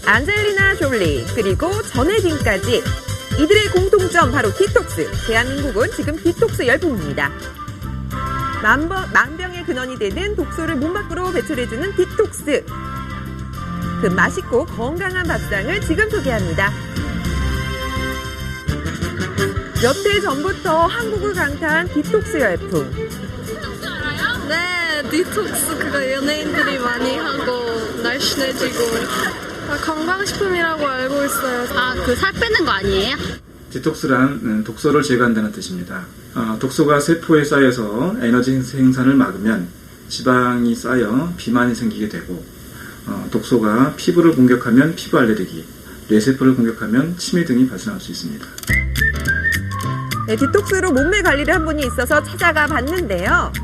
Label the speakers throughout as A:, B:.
A: 안젤리나 졸리 그리고 전혜진까지 이들의 공통점 바로 디톡스. 대한민국은 지금 디톡스 열풍입니다. 만병의 근원이 되는 독소를 몸 밖으로 배출해주는 디톡스. 그 맛있고 건강한 밥상을 지금 소개합니다. 몇 해 전부터 한국을 강타한 디톡스 열풍.
B: 디톡스 알아요? 네, 디톡스 그거 연예인들이 많이 하고 날씬해지고 건강식품이라고 알고 있어요.
C: 아, 그 살 빼는 거 아니에요?
D: 디톡스란 독소를 제거한다는 뜻입니다. 독소가 세포에 쌓여서 에너지 생산을 막으면 지방이 쌓여 비만이 생기게 되고, 독소가 피부를 공격하면 피부 알레르기, 뇌세포를 공격하면 치매 등이 발생할 수 있습니다.
A: 네, 디톡스로 몸매 관리를 한 분이 있어서 찾아가 봤는데요.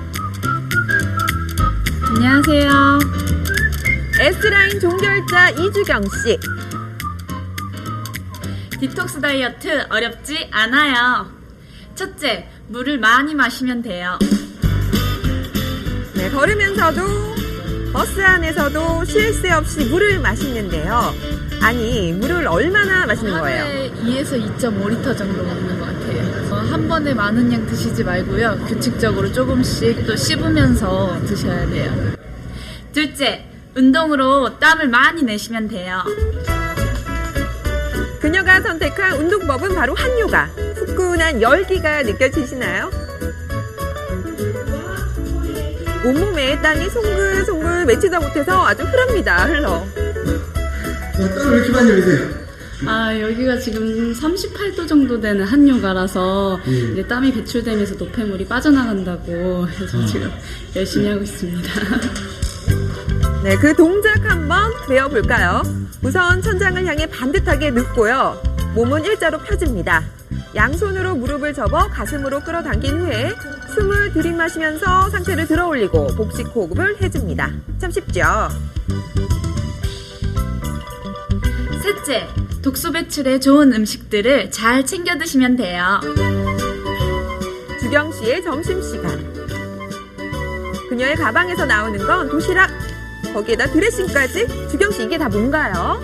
E: 안녕하세요.
A: S라인 종결자 이주경 씨.
E: 디톡스 다이어트 어렵지 않아요. 첫째, 물을 많이 마시면 돼요.
A: 네, 걸으면서도 버스 안에서도 쉴 새 없이 물을 마시는데요. 아니, 물을 얼마나 마시는 거예요?
E: 하루에 2에서 2.5리터 정도 먹는 것 같아요. 한 번에 많은 양 드시지 말고요. 규칙적으로 조금씩 또 씹으면서 드셔야 돼요. 둘째, 운동으로 땀을 많이 내시면 돼요.
A: 그녀가 선택한 운동법은 바로 한요가. 후끈한 열기가 느껴지시나요? 온몸에 땀이 송글송글 맺히다 못해서 아주 흐릅니다. 흘러.
F: 땀을 왜 이렇게 많이 흘리세요?
E: 아, 여기가 지금 38도 정도 되는 한요가라서 이제 땀이 배출되면서 노폐물이 빠져나간다고 해서 지금 열심히 하고 있습니다.
A: 네, 그 동작 한번 배워볼까요? 우선 천장을 향해 반듯하게 눕고요. 몸은 일자로 펴집니다. 양손으로 무릎을 접어 가슴으로 끌어당긴 후에 숨을 들이마시면서 상체를 들어 올리고 복식 호흡을 해줍니다. 참 쉽죠?
E: 셋째, 독소 배출에 좋은 음식들을 잘 챙겨 드시면 돼요.
A: 주경 씨의 점심시간. 그녀의 가방에서 나오는 건 도시락, 거기에다 드레싱까지. 주경 씨, 이게 다 뭔가요?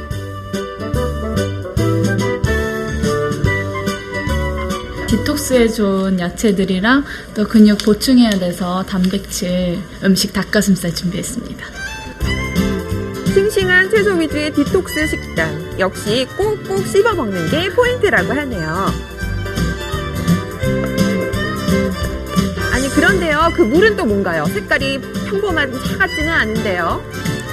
E: 디톡스에 좋은 야채들이랑 또 근육 보충해야 돼서 단백질 음식 닭가슴살 준비했습니다.
A: 싱싱한 채소 위주의 디톡스 식단. 역시 꼭꼭 씹어 먹는 게 포인트라고 하네요. 아니, 그런데요, 그 물은 또 뭔가요? 색깔이 평범한 차 같지는 않은데요.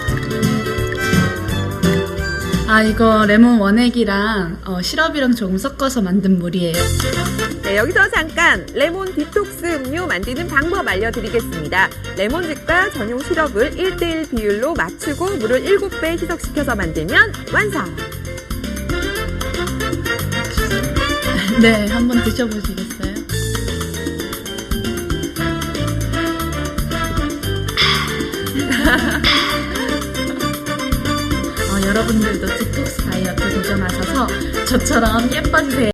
E: 아, 이거 레몬 원액이랑 시럽이랑 조금 섞어서 만든 물이에요.
A: 네, 여기서 잠깐 레몬 디톡스 음료 만드는 방법 알려드리겠습니다. 레몬즙과 전용 시럽을 1:1 비율로 맞추고 물을 7배 희석시켜서 만들면 완성!
E: 네, 한번 드셔보시겠어요? 여러분들도 디톡스 다이어트 도전하셔서 저처럼 예뻐지세요.